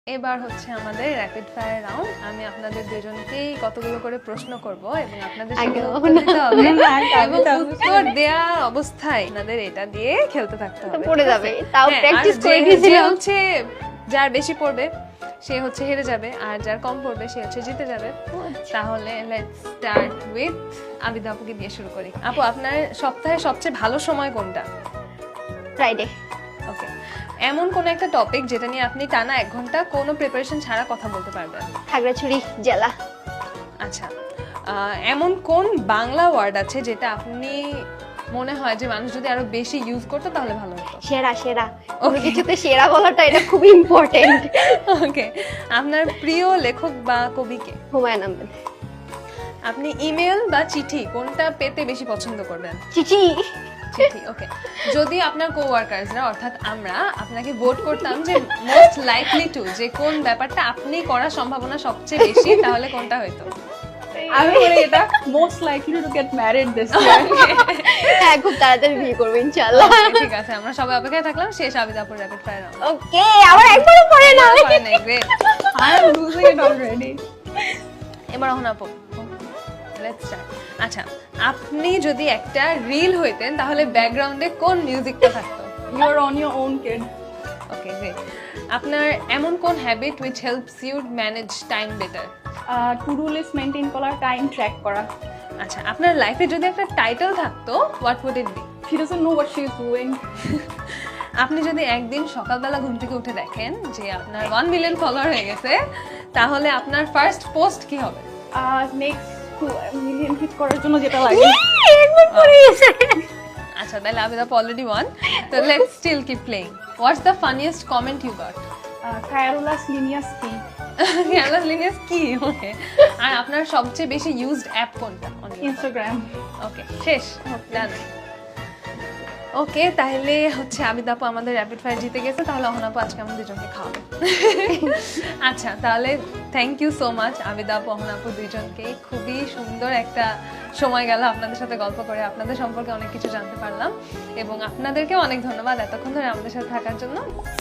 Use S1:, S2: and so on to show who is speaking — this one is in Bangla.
S1: এবার হচ্ছে আমাদের র্যাপিড ফায়ার রাউন্ড। আমি আপনাদের দুজনকেই কতগুলো করে প্রশ্ন করব এবং আপনাদের সেগুলো উত্তর দিতে হবে এবং উত্তর দেয়া অবস্থায় আপনাদের এটা দিয়ে খেলতে থাকতে হবে।
S2: পড়ে যাবে, তাও
S1: হ্যাঁ,
S2: প্র্যাকটিস
S1: আর
S2: করে
S1: যে
S2: গেছিলাম।
S1: হচ্ছে যার বেশি পড়বে সে হচ্ছে হেরে যাবে, আর যার কম পড়বে সে হচ্ছে জিতে যাবে। তাহলে লেটস স্টার্ট উইথ আবিদা আপুকে দিয়ে শুরু করি। আপু, আপনার সপ্তাহে সবচেয়ে ভালো সময় কোনটা?
S2: ফ্রাইডে।
S1: ওকে, এমন কোন একটা টপিক যেটা নিয়ে আপনি টানা 1 ঘন্টা কোনো প্রিপারেশন ছাড়া কথা বলতে পারবেন?
S2: খাগড়াছড়ি জেলা।
S1: আচ্ছা, এমন কোন বাংলা ওয়ার্ড আছে যেটা আপনি মনে হয় যে মানুষ যদি আরো বেশি ইউজ করতো তাহলে ভালো হতো?
S2: সেরা সেরা, কোনো কিছুতে সেরা বলাটা এটা খুব ইম্পর্টেন্ট।
S1: ওকে, আপনার প্রিয় লেখক বা কবি কে?
S2: হুমায়ুন আহমেদ।
S1: আপনি ইমেল বা চিঠি কোনটা পেতে বেশি পছন্দ করবেন?
S2: চিঠি।
S1: চিঠি। ওকে, যদি আপনার কোওয়ার্কার্সরা অর্থাৎ আমরা আপনাকে ভোট করতাম যে মোস্ট লাইকলি টু, যে কোন ব্যাপারটা আপনি করার সম্ভাবনা সবচেয়ে বেশি, তাহলে কোনটা হইতো?
S3: আমি বলি এটা most likely to get married this year.
S2: হ্যাঁ, খুব তাড়াতাড়ি বিয়ে করবো ইনশাআল্লাহ।
S1: Okay, ঠিক আছে, আমরা সবাই অপেক্ষায় থাকলাম। শেষ আবিদা আপুর র্যাপিড ফায়ার রাউন্ড।
S2: ওকে, আবার একবারও পড়ে না।
S1: Great.
S3: I am losing it already.
S1: এবার এখন আপু, লেটস স্টার্ট। আচ্ছা, আপনি যদি একটা রিল হইতেন তাহলে ব্যাকগ্রাউন্ডে কোন মিউজিকটা থাকতো?
S3: You are on your own kid.
S1: Okay, great. আপনার এমন কোন habit which helps you manage time better?
S3: To do list maintain করা, টাইম ট্র্যাক করা।
S1: আচ্ছা, আপনার লাইফে যদি একটা টাইটেল থাকতো, what would it be?
S3: She doesn't know what she is doing.
S1: আপনি যদি একদিন সকালবেলা ঘুম থেকে উঠে দেখেন যে আপনার 1 মিলিয়ন ফলোয়ার হয়ে গেছে, তাহলে আপনার ফার্স্ট পোস্ট কি হবে?
S3: নেক্সট 2 মিলিয়ন হিট করার জন্য যেটা লাগে।
S2: একবার পড়ে গেছে।
S1: আচ্ছা, তাহলে আবিদা অলরেডি ওয়ান, তো let's still keep playing. What's the funniest comment you got?
S3: খায়রুল্লাহস লিনিয়াস কি?
S1: ক্যালাস লিনিয়াস কি? ওকে, আর আপনার সবচেয়ে বেশি ইউজড অ্যাপ কোনটা?
S3: ইনস্টাগ্রাম।
S1: ওকে, শেষ, ডান। ওকে, তাহলে হচ্ছে আবিদা আপু আমাদের র্যাপিড ফায়ার জিতে গেছে। তাহলে অহনা আপু আজকে আমাদের দুজনকে খাওয়াবে। আচ্ছা, তাহলে thank you so much Abida আপু, অহনা আপু দুইজনকে। খুবই সুন্দর একটা সময় গেল আপনাদের সাথে গল্প করে, আপনাদের সম্পর্কে অনেক কিছু জানতে পারলাম এবং আপনাদেরকেও অনেক ধন্যবাদ এতক্ষণ ধরে আমাদের সাথে থাকার জন্য।